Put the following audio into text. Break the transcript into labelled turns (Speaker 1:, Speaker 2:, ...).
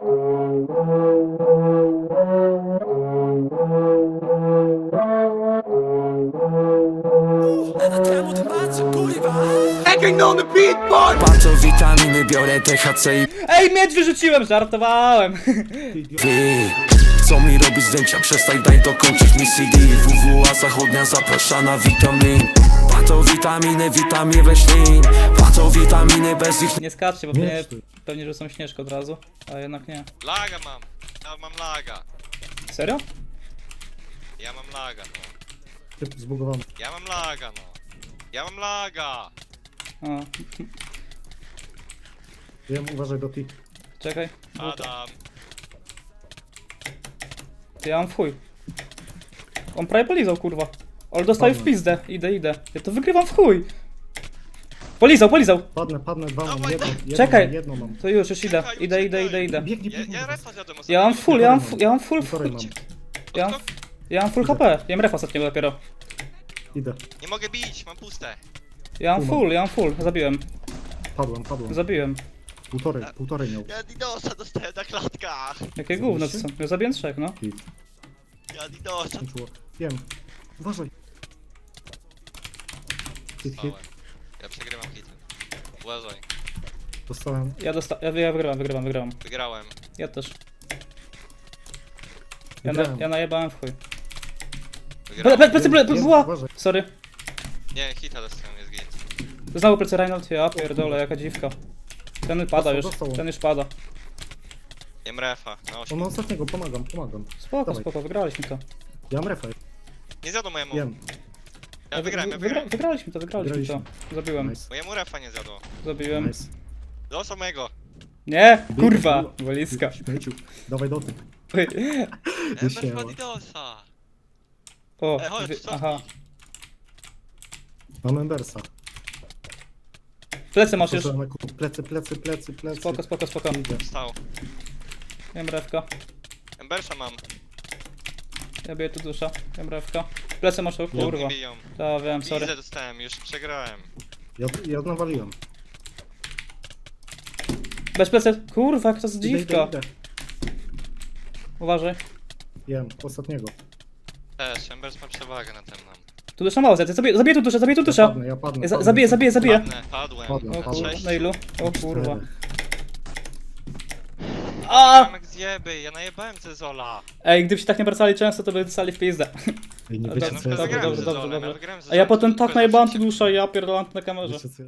Speaker 1: Patrzą witaminy, biorę THC i
Speaker 2: Ej, miecz wyrzuciłem, żartowałem.
Speaker 1: ty. Co mi robić zdjęcia? Przestań, daj dokończyć mi CD. WWA zachodnia zaprasza na witamin. Patrzą witaminy, witamin roślin. Patrzą witaminy, bez ich
Speaker 2: Nie skaczcie, bo pewnie rzucą śnieżkę od razu, a jednak nie.
Speaker 3: Laga mam. Ja mam laga.
Speaker 2: Serio?
Speaker 3: Ja mam laga, no.
Speaker 4: Typ zbugowany.
Speaker 3: Ja mam laga, no. Ja mam laga.
Speaker 2: A,
Speaker 4: Wiem, uważaj do tych.
Speaker 2: czekaj.
Speaker 3: Adam.
Speaker 2: Ty, ja mam w chuj. On prawie polizał, kurwa. Ale dostaje w pizdę. Idę. Ja to wygrywam w chuj. Polizał.
Speaker 4: Padnę, dwa mam,
Speaker 3: Dawaj,
Speaker 4: jedno,
Speaker 2: Czekaj.
Speaker 4: jedno mam.
Speaker 2: To już idę. Idę.
Speaker 4: Biegnij,
Speaker 3: Ja
Speaker 4: biegnij.
Speaker 3: refa zjadłem
Speaker 2: Ja mam full, ja mam full.
Speaker 4: Półtorej mam.
Speaker 2: Ja mam full HP. Ja mam refa ostatniego dopiero.
Speaker 4: Idę.
Speaker 3: Nie mogę bić, mam puste.
Speaker 2: Ja mam full. Zabiłem.
Speaker 4: Padłem. Półtorej miał.
Speaker 3: Ja Didosa dostałem na klatkach.
Speaker 2: Jakie gówno to są? Ja zabiłem 3, no.
Speaker 4: Hit.
Speaker 3: Ja Didosa
Speaker 4: Skończyło. Wiem. Uważaj. Hit.
Speaker 3: dostałem. Ja przegrywam hity. Uważaj.
Speaker 4: Dostałem.
Speaker 2: Ja wygrywam.
Speaker 3: Wygrałem.
Speaker 2: Ja też.
Speaker 4: Wygrałem.
Speaker 2: Ja najebałem w chuj.
Speaker 3: Wygrałem.
Speaker 2: Plecy,
Speaker 4: Jest,
Speaker 2: była!
Speaker 4: uważaj.
Speaker 2: Sorry.
Speaker 3: Nie, hita dostałem, jest git.
Speaker 2: Znowu plecy Reinhold, ja pierdolę, jaka dziwka. Ten pada już,
Speaker 4: Dostał.
Speaker 2: ten już pada.
Speaker 3: Jem refa. Na 8.
Speaker 4: On ma ostatniego, pomagam. Dawaj.
Speaker 2: Wygraliśmy to.
Speaker 4: Ja mam refa.
Speaker 3: Nie zjadł mojemu.
Speaker 4: Jem.
Speaker 3: Ja wygrałem.
Speaker 2: Wygraliśmy to. Zabiłem.
Speaker 4: Nice.
Speaker 3: Mojemu refa nie zjadło.
Speaker 2: Zabiłem.
Speaker 4: Nice.
Speaker 3: Dostał mojego.
Speaker 2: Nie, kurwa, walizka.
Speaker 4: Śmieciu. Dawaj do tych.
Speaker 3: Ember ma Didosa.
Speaker 2: O,
Speaker 3: chodź, cofnij.
Speaker 2: aha.
Speaker 4: Mam Embersa.
Speaker 2: Plecy masz już.
Speaker 4: Plecy.
Speaker 2: Spoko.
Speaker 4: Idę.
Speaker 3: Wstał.
Speaker 2: Jem rewka.
Speaker 3: Embersa mam.
Speaker 2: Ja biję tu dusza. Jem rewka. Plecy masz, o kurwa.
Speaker 3: Nie biją.
Speaker 2: To wiem, sorry.
Speaker 3: Widzę dostałem, już przegrałem.
Speaker 4: Ja nawaliłem.
Speaker 2: Bez plecy. Kurwa, jak to jest dziwka.
Speaker 4: Idę.
Speaker 2: Uważaj.
Speaker 4: Jem. Ostatniego.
Speaker 3: Też, Embers ma przewagę na tym nam.
Speaker 2: Tu dusza mało, zabiję tu dusza.
Speaker 4: Ja padnę.
Speaker 2: Zabiję.
Speaker 3: Padłem.
Speaker 4: Padłem.
Speaker 2: O kurwa,
Speaker 3: 6.
Speaker 2: na ilu? O kurwa.
Speaker 3: A! Jak zjeby, ja najebałem Zezola.
Speaker 2: Ej, gdyby się tak nie wracali często, to by dostali w pizdę.
Speaker 4: Ej, nie
Speaker 2: Dobrze,
Speaker 4: wiecie co ja
Speaker 2: dobrze,
Speaker 4: zrobiłem.
Speaker 2: dobrze.
Speaker 3: Ja wygrałem
Speaker 2: A ja potem
Speaker 3: Zezolem,
Speaker 2: tak najebałem tu dusza i ja pierdolę na kamerze.
Speaker 4: Wiecie co